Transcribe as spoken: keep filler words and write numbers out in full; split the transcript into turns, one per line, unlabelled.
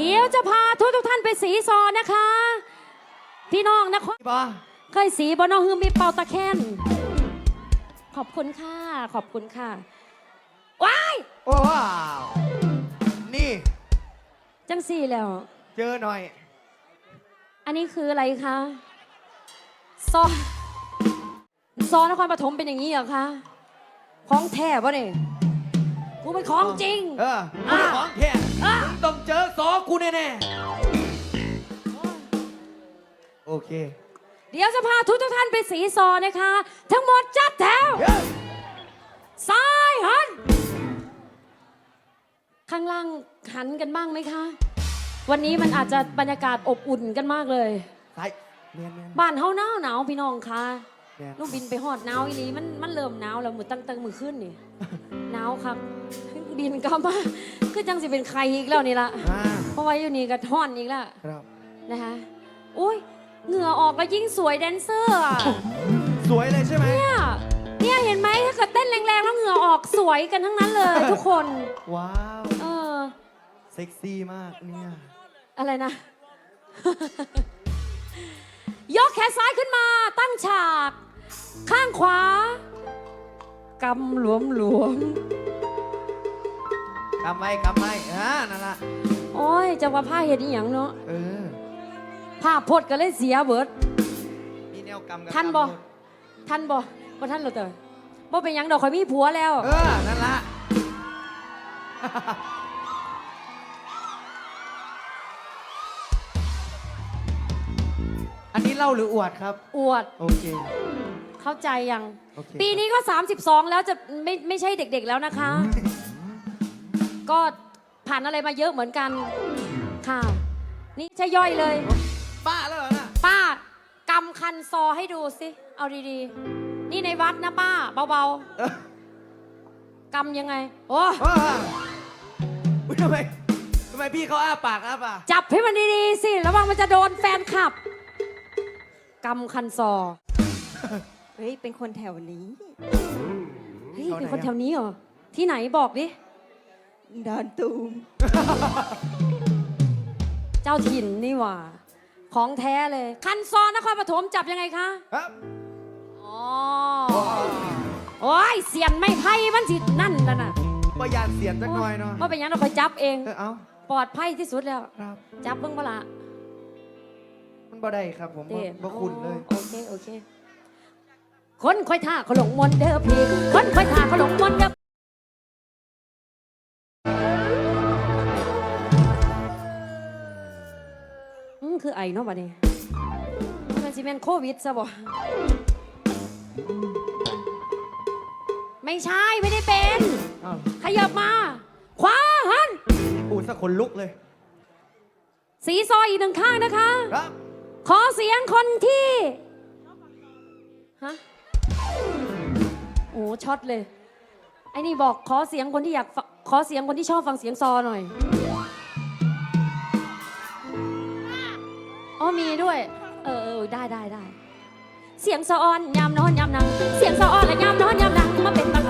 ดี๋ยวจะพาทุกทุกท่านไปสีซอนะคะ พี่น้องนะเคยสีบอนอฮือมีเป่าตะแคนขอบคุณค่ะขอบคุณค่ะว้าย
โอ้ว้าว นี่
จังสี่แล้ว
เจอหน่อย
อันนี้คืออะไรคะซอซอนครปฐมเป็นอย่างนี้เหรอคะของแท้ปะเนี่ยกูเป็นของจริง
เออของแท้ต้องเจอซอกูแน่ๆโอเค
เดี๋ยวจะพาทุกทุกท่านไปสีซอนะคะ ทั้งหมดจัดแถวซ้ายหันข้างล่างหันกันบ้างไหมคะวันนี้มันอาจจะบรรยากาศอบอุ่นกันมากเลยบ้านเฮาหนาวหนาวพี่น้องคะลูกบินไปหอดหนาวอีหลีมันมันเริ่มหนาวแล้วมือตั้งตั้งมือขึ้นนี่หนาวครับบินก็มาคือจังสิเป็นใครอีกแล้วนี่ละเพราะว่าอยู่นี่ก็ท่อนอีกแล้วนะคะอุ้ยเหงื่อออกแล้วยิ่งสวยแดนเซอร์อ่ะ
สวยเลยใช่ไหม
เนี่ยเนี่ยเห็นไหมถ้าเกิดเต้นแรงๆแล้วเหงื่อออกสวยกันทั้งนั้นเลยทุกคน
ว้าว
เออ
เซ็กซี่มากเนี่ย
อะไรนะ ยกแขนซ้ายขึ้นมาตั้งฉากข้างขวากำหลวมหลวม
กำไว้กำไว้อ่านั่นละ
โอ้ยจะว่าผ้าเห็ดอีหยังเนาะ
เออ
ผ้าพดก็เลยเสียเบิด
มีแนวกำกัน
ท่านบ่ท่านบ่บ่ท่านเราเต๋อบ่เป็นหยังดอกข่อยมีผัวแล้ว
เออนั่นละอันนี้เล่าหรืออวดครับ
อวด
โอเค
เข้าใจยังปีนี้ก็สามสิบสองแล้วจะไม่ไม่ใช่เด็กๆแล้วนะคะก็ผ่านอะไรมาเยอะเหมือนกันค่ะนี่ใช่ย่อยเลย
ป้าแล้วเหรอนะ
ป้ากำคันซอให้ดูสิเอาดีๆนี่ในวัดนะป้าเบาๆกำยังไงโอ้
ทำไมทำไมพี่เขาอ้าปากอ้าปาก
จับให้มันดีๆสิระวังมันจะโดนแฟนคลับกำคันซอ
เฮ้ยเป็นคนแถวนี้
เฮ้ยเป็นคนแถวนี้เหรอที่ไหนบอกดิ
ดอนตูม
เจ้าถิ่นนี่หว่าของแท้เลยคันซอนครปฐมจับยังไงคะ
ครับ
อ๋อโอ้ยเสียนไม่ไพ่มันสินั่นแล้วนะ
ประหยัดเสียนสักหน่อยเนาะ
ว่าเป็นยังเราคอยจับเอง
เอ้า
ปลอดภัยที่สุดแล้วจับเบิ่งบ่ละ
มันบ่ได้ครับผมบ่คุณเลย
โอเคโอเคคนค่อยท่าเขาหลงมนเด้อพี่คนค่อยท่าเขาหลงมนเด้ออืมคือไอเนาะบัดนี้มันสิเป็นโควิดซะบ่ไม่ใช่ไม่ได้เป็นขยับมาขวาหัน
ปูสักคนลุกเลย
สีซอยอีกหนึ่งข้างนะคะ
ครับ
ขอเสียงคนที่ฮะโอ้ช็อตเลยไอ้นี่บอกขอเสียงคนที่อยากขอเสียงคนที่ชอบฟังเสียงซอหน่อยอ๋อมีด้วยเออเออได้ได้ได้เสียงซออ่อนยามนอนยามนั่งเสียงซออ่อนและยามนอนยามนั่งมาเป็น